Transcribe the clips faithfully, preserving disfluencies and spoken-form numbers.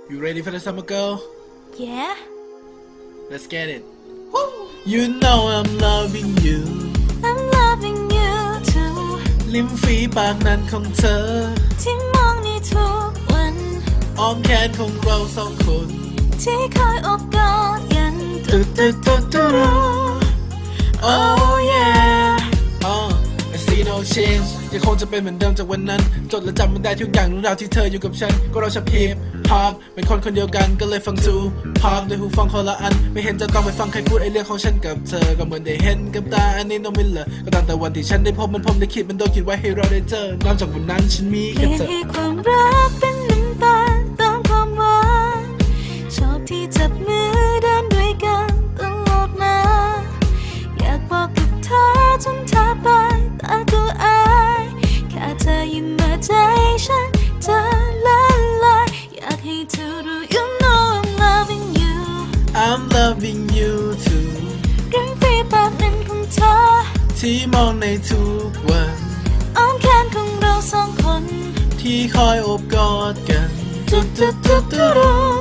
You ready for the summer girl? Yeah. Let's get it. You know I'm loving you. I'm loving you too ลิ้มฝีปากนั้นของเธอที่มองในทุกวันอ้อมแขนของเราสองคนที่คอยอบกอดกันตึ๊ดตึ๊ดตึ๊ดตึ๊ด Oh yeah uh, I see no change ยังคงจะเป็นเหมือนเดิมจากวันนั้นจดและจำมันได้ทุกอย่างเรื่องราวที่เธออยู่กับฉันก็เราชอบฮิปฮอปเป็นคนคนเดียวกันก็เลยฟังทูพอปด้วยหูฟังคนละอันไม่เห็นจะต้องไปฟังใครพูดไอเรื่องของฉันกับเธอก็เหมือนได้เห็นกับตาอันนี้น้องมิลเลอร์ก็ตั้งแต่วันที่ฉันได้พบมันผมได้คิดมันโดนคิดไว้ให้เราได้เจอนอกจากวันนั้นฉันมีเปลี่แค่ยนเธอให้ความรักเป็นน้ำตาลเติมความหวานชอบที่จับมือเดินด้วยกันตลอดมาอยากบอกกับเธอจนเธอไปแต่ก็อายแค่เธอยิ้มมาใจฉันจะละลายอยากให้เธอรู้ You know I'm loving you I'm loving you too ริมฝีปากนั้นของเธอที่มองในทุกวันอ้อมแขนของเราสองคนที่คอยโอบกอดกันจุดจุดจุดจุด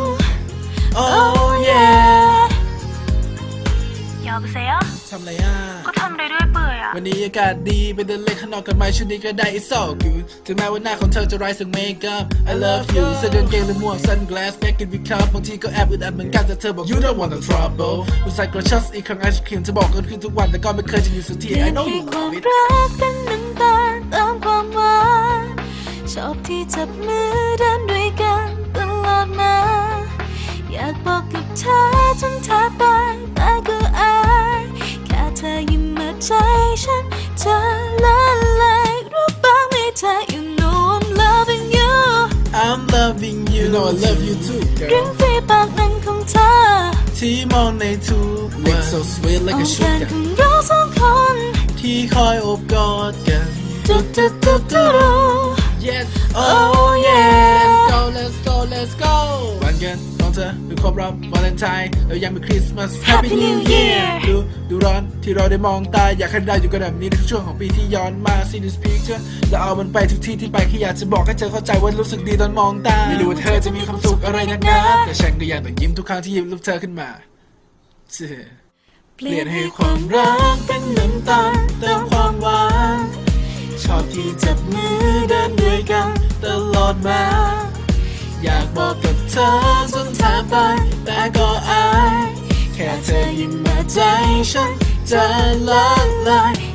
Oh yeah ยอมเสียทำไรอ่ะก็ทำได้ด้วยเปื่อยอ่ะวันนี้อากาศดีไปเดินเล่นข้างนอกกันไหมชุดนี้ก็ได้ It's all good ถึงแม้ว่าหน้าของเธอจะไร้ซึ่งเมคอัพ I love you เสื้อเดินเกงหรือหมวก sunglass back in big cup บางทีก็แอบอึดอัดเหมือนกันแต่เธอบอก You don't want the trouble อุตส่าห์กระชับอีกครั้งไอศครีมจะบอกกันขึ้นทุกวันแต่ก็ไม่เคยจะอยู่สักที I know ให้ you ความ love it รักเป็นน้ำตาลเติมความหวานชอบที่จับมือเดินด้วยกันตลอดมาอยากบอกกับเธอจนเธอไปแต่ก็อายแค่เธอยิ้มมาใจฉันจะละลายรู้บ้างไหมเธอ You know I'm loving you I'm loving you You know I love you too ริม girl ฝีปากนั้นของเธอที่มองในทุกวัน Lips so sweet อ้ like อ a มแขน sugar ของเราสองคนที่คอยโอบกอดกันจุดจุดจุดจุด Yes oh yeah Let's go let's go let's go วันเกิดของเธอคือครบรอบวาเลนไทน์แล้วยังเป็นคริสต์มาส Happy New Year ดูดูร้อนที่เราได้มองตาอยากให้เราอยู่กันแบบนี้ในทุกช่วงของปีที่ย้อนมา See this picture แล้วเอามันไปทุกที่ที่ไปแค่อยากจะบอกให้เธอเข้าใจว่ารู้สึกดีตอนมองตาไม่รู้ว่าเธอจะมีความสุขอะไรนักหนาแต่ฉันก็ยังต้องยิ้มทุกครั้งที่หยิบรูปเธอขึ้นมาเชื่อเปลี่ยนให้ความรักเป็นน้ำตาลเติมความหวานชอบที่จับมือเดินด้วยกันตลอดมา อยากบอกกับเธอจนแทบไปแต่ก็อายแค่เธอยิ้มมาใจฉันจะละลาย